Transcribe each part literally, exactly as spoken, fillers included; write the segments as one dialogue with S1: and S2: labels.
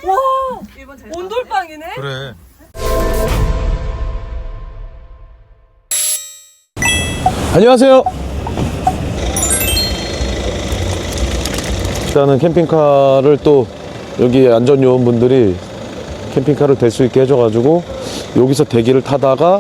S1: 와, 온돌빵이네?
S2: 그래. 안녕하세요. 일단은 캠핑카를 또 여기 안전요원분들이 캠핑카를 댈 수 있게 해줘가지고 여기서 대기를 타다가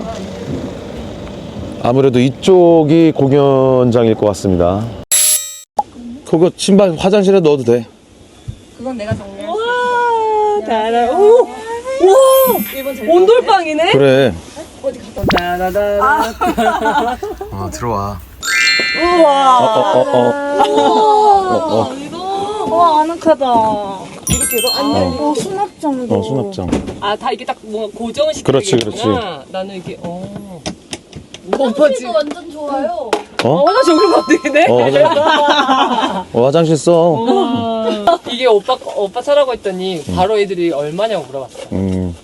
S2: 아무래도 이쪽이 공연장일 것 같습니다. 그거 신발 화장실에 넣어도 돼.
S1: 그건 내가 정리할게. 와, 달아. 오, 와, 온돌빵이네?
S2: 그래.
S1: 어디 갔다. 다다다.
S2: 어, 들어와.
S1: 우와.
S2: 어, 어, 어, 어. 어, 어.
S1: 이거. 와, 아늑하다. 이렇게 해서 안 열리고.
S3: 어, 수납장도.
S2: 어, 수납장.
S1: 아, 다 이게 딱 뭔가 고정시키는
S2: 그렇지,
S1: 게 있구나. 나는 이게, 어.
S3: 화장실도 완전 좋아요.
S2: 어?
S1: 어, 화장실 여기로 가도 되네?
S2: 어, 화장실. 어, 화장실 써.
S1: 우와. 이게 오빠, 오빠 차라고 했더니 바로 애들이 얼마냐고 물어봤어.
S2: 음.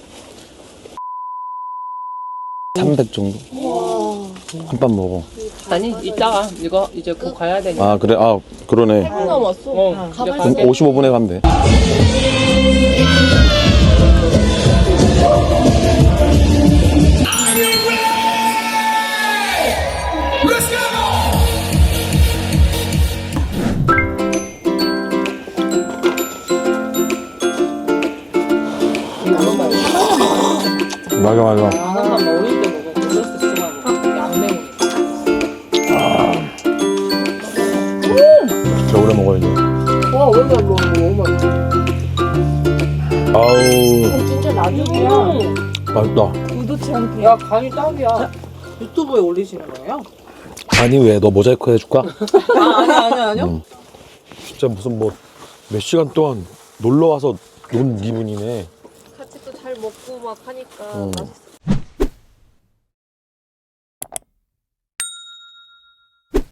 S2: 삼백 정도? 한 판 먹어.
S1: 아니, 이따가 이거 이제 곧 가야 되니까.
S2: 아, 그래? 아, 그러네.
S3: 남았어.
S1: 어, 이제
S3: 가발
S2: 그럼
S1: 갈게.
S2: 오십오 분에 가면 돼. 맞아, 맞아.
S1: 하나만 먹을 때 먹어. 글러스 주만 먹어. 양맹이.
S2: 진짜 오래 먹어야지.
S1: 와, 오늘 뭐 너무 맛있어.
S2: 아우,
S3: 진짜 나중이야.
S2: 맛있다.
S3: 의도치 않게.
S1: 야, 간이 딱이야. 유튜브에 올리시는 거예요?
S2: 아니, 왜? 너 모자이크 해줄까?
S1: 아, 아니, 아니, 아니요.
S2: 응. 진짜 무슨 뭐 몇 시간 동안 놀러 와서 논 기분이네.
S3: 같이 또 잘 먹고 막 하니까
S2: 응.
S3: 맛있어.